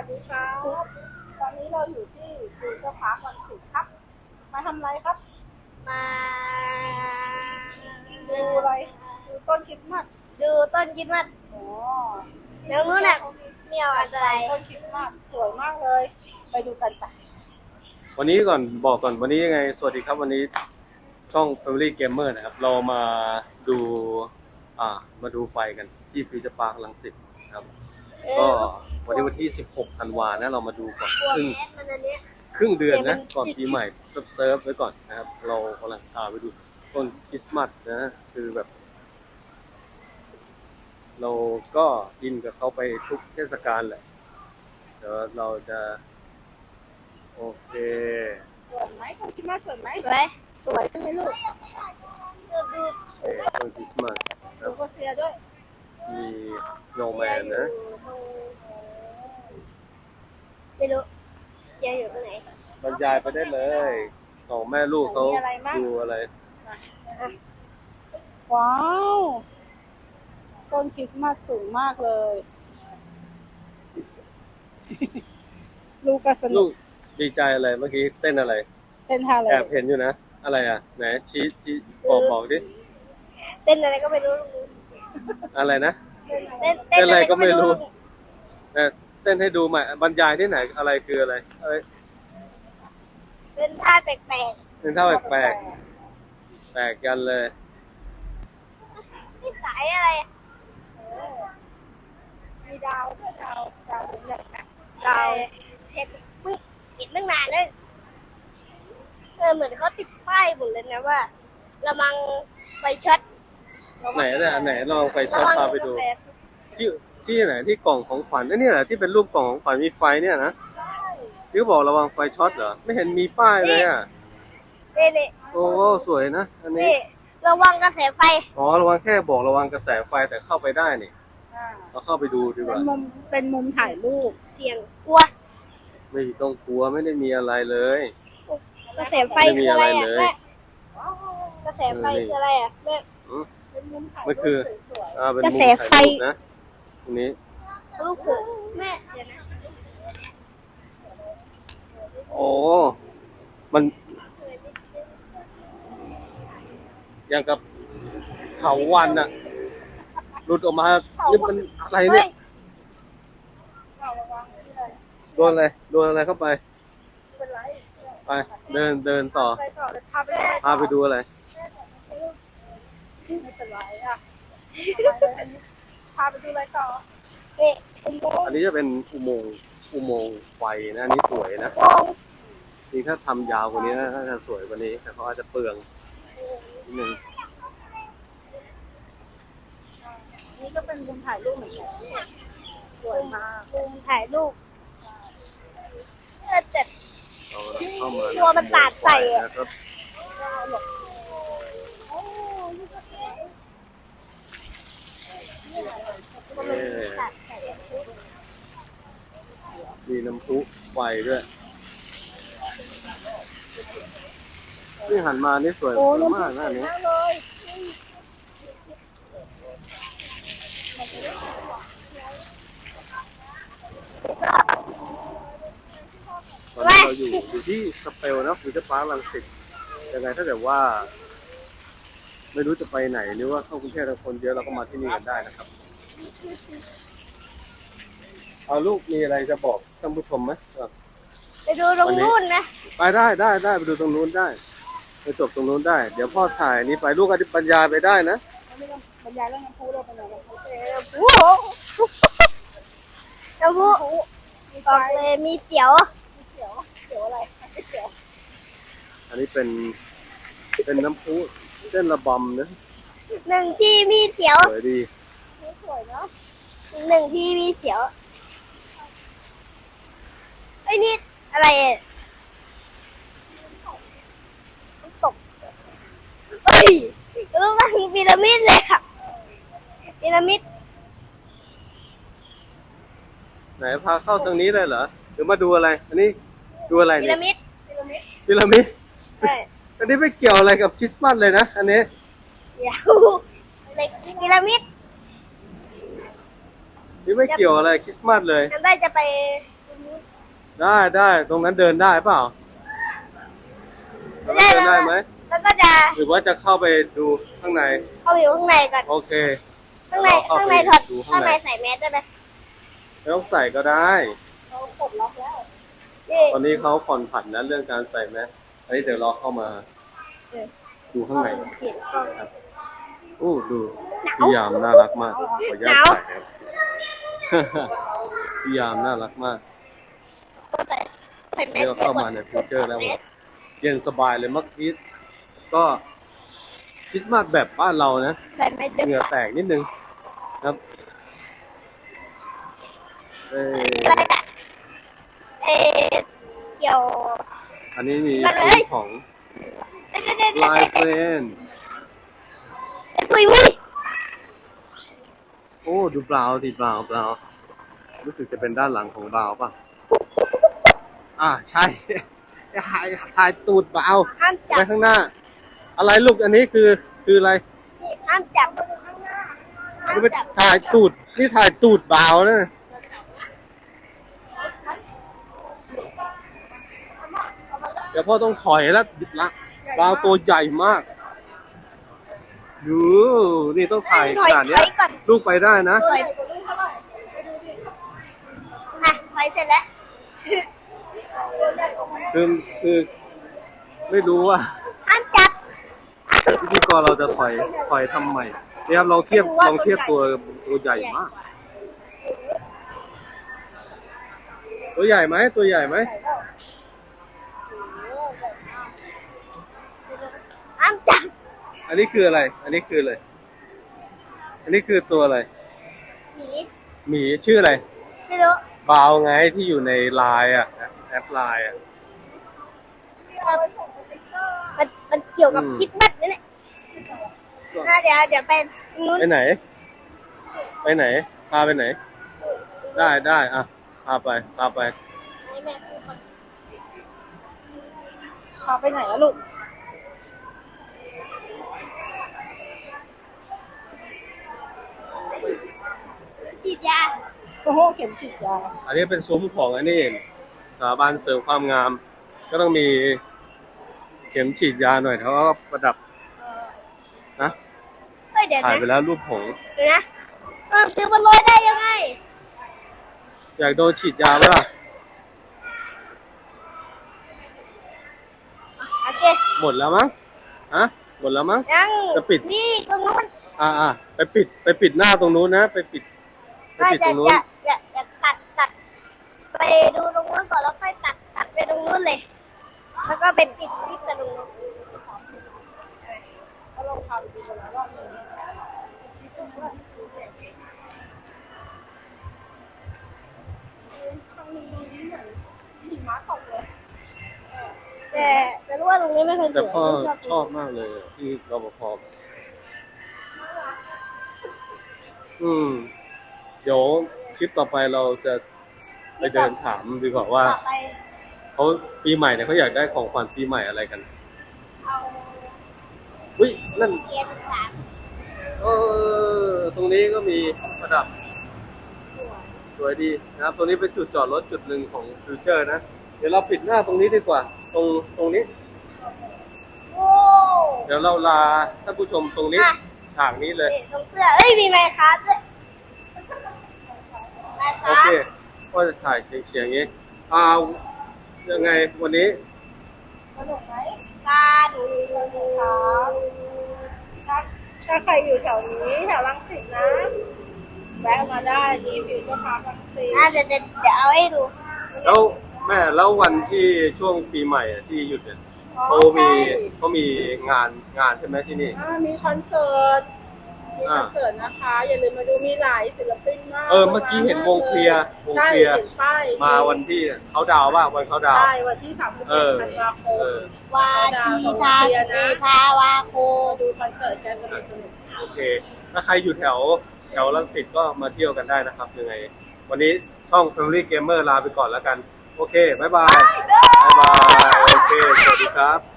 สดีครับตอนนี้เราอยู่ที่ฟิวเจอร์พาร์ครังสิตครับมาทำอะไรครับมาดูอะไรดูต้นคริสต์มาสดูต้นคริสต์มาสอ๋อแล้วนู้นน่ะมีอะไรต้นคริสต์มาสสวยมากเลยไปดูกันไปวันนี้ก่อนบอกก่อนวันนี้ยังไงสวัสดีครับวันนี้ช่อง Family Gamer นะครับเรามาดูมาดูไฟกันที่ฟิวเจอร์พาร์ครังสิตครับก็วันนี้วันที่16ธันวานะเรามาดูก่อนครึ่งเดือนนะก่อนปีใหม่เซิร์ฟไว้ก่อนนะครับเรากำลังไปดูต้นคริสต์มาสนะคือแบบเราก็อินกับเขาไปทุกเทศกาลแหละเดี๋ยวเราจะโอเคสวยไหมต้นคริสต์มาสสวยไหมสวยสวยใช่ไหมลูกดูต้นคริสต์มาสซูเปอร์เซียด้วยมีสโนว์แมนนะไม่รู้เชียร์อยู่ตรงไหนบรรยายไปได้เลยสองแม่ลูกเขาดูอะไรว้าวต้นคริสต์มาสสูงมากเลยลูกก็สนุลูกกดีใจอะไรเมื่อกี้เต้นอะไรเต้นท่าอะไรแอบเห็นอยู่นะอะไรอ่ะไหนชี้บอกดิเต้นอะไรก็ไม่รู้อะไรนะเต้นอะไรก็ไม่รู้เต้นให้ดูใหม่บรรยายที่ไหนอะไรคืออะไรเต้นท่าแปลกเป็นท่าแปลกกันเลยๆนี่สายอะไรมีดาวด้วยดาวเป็นใหญ่นะดาวเห็นตั้งนานเลยเหมือนเขาติดป้ายหมดเลยนะว่าระวังไฟช็อตไหนลองไฟช็อตพาไปดูที่ไหนที่กล่องของขวัญนี่แหละที่เป็นรูปกล่องของขวัญมีไฟเนี่ยนะที่บอกระวังไฟช็อตเหรอไม่เห็นมีป้ายเลยอ่ะนี่โอ้สวยนะอันนี้ระวังกระแสไฟอ๋อระวังแค่บอกระวังกระแสไฟแต่เข้าไปได้นี่เราเข้าไปดูดีกว่าเป็นมุมถ่ายรูปเสียงกลัวไม่ต้องกลัวไม่ได้มีอะไรเลยกระแสไฟคืออะไรอ่ะแม่กระแสไฟคืออะไรอ่ะแม่เป็นมุมถ่ายมันคือเป็นมุมถ่ายรูปนะตรงนี้ลูกแม่เดี๋ยวนะโอ้มันอย่างกับเถาวัลย์น่ะหลุดออกมานี่มันอะไรเนี่ยโดนอะไรเข้าไปไปเดินต่อพาไปดูอะไรไม่เป็นไรอ่ะพาไปดูอะไรต่ออันนี้จะเป็นอุโมงค์ไฟนะอันนี้สวยนะจริงถ้าทำยาวกว่านี้น่าจะสวยกว่านี้แต่เขาอาจจะเปลืองนิดนึงนี่ก็เป็นมุมถ่ายรูปเหมือนกันสวยมากมุมถ่ายรูปแต่เข้ามาตัวมันสาดใส่อ่ะมีน้ำพุไฟด้วยนี่หันมานี่สวยมากนะนี้ตอนนี้เราอยู่ที่สเปลนะฟิวเจอร์พาร์ครังสิตยังไงถ้าเกิดว่าไม่รู้จะไปไหนหรือว่าเข้ากรุงเทพคนเยอะเราก็มาที่นี่กันได้นะครับเอาลูกมีอะไรจะบอกท่านผู้ชมไหมไปดูตรงนู้นนะไปได้ไปดูตรงนู้นได้ไปจบตรงนู้นได้เดี๋ยวพ่อถ่ายนี้ไปลูกอธิบรรยายไปได้นะบรรยายเรื่องน้ำพุเราเป็นอะไรน้ำพุบอกเลยมีเสียวอะไรเสียวอันนี้เป็นน้ำพุเส้นระบำนะหนึ่งที่มีเสียวสวยดีสวยเนาะหนึ่งที่มีเสียวไอ้นี่อะไรตกเฮ้ยรูปร่างพีระมิดเลยอะพีระมิดไหนพาเข้าตรงนี้เลยเหรอหรือมาดูอะไรอันนี้ดูอะไรพีเนี่ยระมิดอันนี้ไม่เกี่ยวอะไรกับคริสต์มาสเลยนะอันนี้เดี๋ยวเล็กพีระมิดนี่ไม่เกี่ยวอะไรคริสต์มาสเลยได้จะไปได้ตรงนั้นเดินได้เปล่าตรงนั้นเดินได้ไหมแล้วก็จะหรือว่าจะเข้าไปดูข้างในเข้าไปอยู่ข้างในก่อนโอเคข้างในเราเข้าข้างไปในถอดดูข้าข้าง งในในใส่แมสได้ไหมไม่ต้องใส่ก็ได้เราปลดล็อกแล้วนี่ตอนนี้เขาผ่อนผันนะเรื่องการใส่แมสอันนี้เดี๋ยวเราเข้ามาดูข้างในเสียงกล้องโอ้ดูพี่ยามน่ารักมากขออนุญาตใส่ครับ พี่ยามน่ารักมากใส่แมนี่สเราเข้ามาในฟิวเจอร์แล้วเย็นสบายเลยเมื่อกี้ก็คริสต์มาสแบบบ้านเรานะใส่แมสเหงื่อแตกนิดนึงครับเอ้ยอะไรอะเกี่ยวอันนี้มีมาเลยซุ้มของลายเฟรนปุยมุ้ยโอ้ดูเปล่าดิเปล่ารู้สึกจะเป็นด้านหลังของเปล่าป่ะใช่ ถ่ายตูดเปล่าห้ามจัไปบข้างหน้า อะไรลูกอันนี้คืออะไรนี่ห้ามจับข้างหน้าห้ามนี่ไปจับถ่ายตูดนี่ถ่ายตูดเปล่านะเดี๋ยวพ่อต้องถอยแล้วละเปล่าตัวใหญ่มากดูนี่ต้องถ่ายขนาดเนี้ยก่อนลูกไปได้นะตัวใหญ่กว่านี้เท่าไหร่ไปดูดิอ่ะถอยเสร็จแล้วตัวใหญ่กว่าแม่คือไม่รู้ว่าห้ามจับพิธีกรเราจะถอยทำใหม่เนี่ยครับลองเทียบตัวใหญ่มาก ตัวใหญ่ไหมตัวใหญ่ไหมห้ามจับอันนี้คืออะไร อันนี้คืออะไรอันนี้คือตัวอะไรหมีหมีชื่ออะไรไม่รู้บาวไงที่อยู่ในไลน์อ่ะแอปไลน์อ่ะมันเกี่ยวกับอืมคริดมัดนี่แหละเดี๋ยวไปนู้นไปไหน ไปไหนพาไปไหน ได้อ่ะพาไปให้แม่พูดก่อนพาไปไหนอะลูกฉีดยาโอ้โหเข็มฉีดยาอันนี้เป็นซุ้มของอันนี้สถาบันเสริมความงาม ก็ต้องมีเข็มฉีดยาหน่อยเขาก็ประดับนะเฮ้ยเดี๋ยวถ่ายนะไปแล้วรูปหงส์เดี๋ยวนะซื้อมันลอยได้ยังไงอยากโดนฉีดยาไหมล่ะโอเคหมดแล้วมั้งหมดแล้วมั้งยังจะปิดนี่ตรงนู้นไปปิดหน้าตรงนู้นนะ ไปปิดตรงนู้นอย่าตัดไปดูตรงนู้นก่อนแล้วค่อยตัดไปตรงนู้นเลย แล้วก็ไปปิดคลิปกันตรงนู้นก็ลองพาไปดูกันแล้วว่ามีครั้งนี้เหมือนหิมะตกเลยแต่รู้ว่าตรงนี้ไม่เคยสแต่วยพ่อชอบชอบมากเลยที่รปภเดี๋ยวคลิปต่อไปเราจะไปเดินถามดีกว่าว่าต่อไปเขาปีใหม่เนี่ยเขาอยากได้ของขวัญปีใหม่อะไรกันเอาอุ้ยนั่นเกียร์13 ตรงนี้ก็มีประดับสวยดีนะครับตรงนี้เป็นจุดจอดรถจุดหนึ่งของฟิวเจอร์นะเดี๋ยวเราปิดหน้าตรงนี้ดีกว่า ตรงนี้โอ้เดี๋ยวเราลาท่านผู้ชมตรงนี้ฉากนี้เลยนี่ตรงเสื้อเอ้ยมีไมค์ครับด้วยไมค์คโอรับเคก็จะถ่ายเฉียงๆอย่างนี้ยังไงวันนี้สนุกไหมการถ้าใครอยู่แถวนี้แถวรังสิตนะแวะมาได้ที่ฟิวเจอร์พาร์ครังสิตเดี๋ยวเอาให้ดูแล้วแม่แล้ววันที่ช่วงปีใหม่อะที่หยุดเนี่ยอ๋อเขาใช่มีงานใช่ไหมที่นี่มีคอนเสิร์ตนะคะ อย่าลืมมาดูมีหลายศิลปินมากเมื่อกี้เห็นวงเคลียร์ใช่เห็นป้ายมาวันที่เขาดาวน์ว่าวันเขาดาวน์ใช่วันที่31ธันวาคมเออวาทีชาเอทาวาโคดูคอนเสิร์ตกันสนุกโอเค ถ้าใครอยู่แถวรังสิตก็มาเที่ยวกันได้นะครับ ยังไง วันนี้ช่อง Family Gamer ลาไปก่อนแล้วกัน โอเค บ๊ายบาย บ๊ายบาย โอเค สวัสดีครับ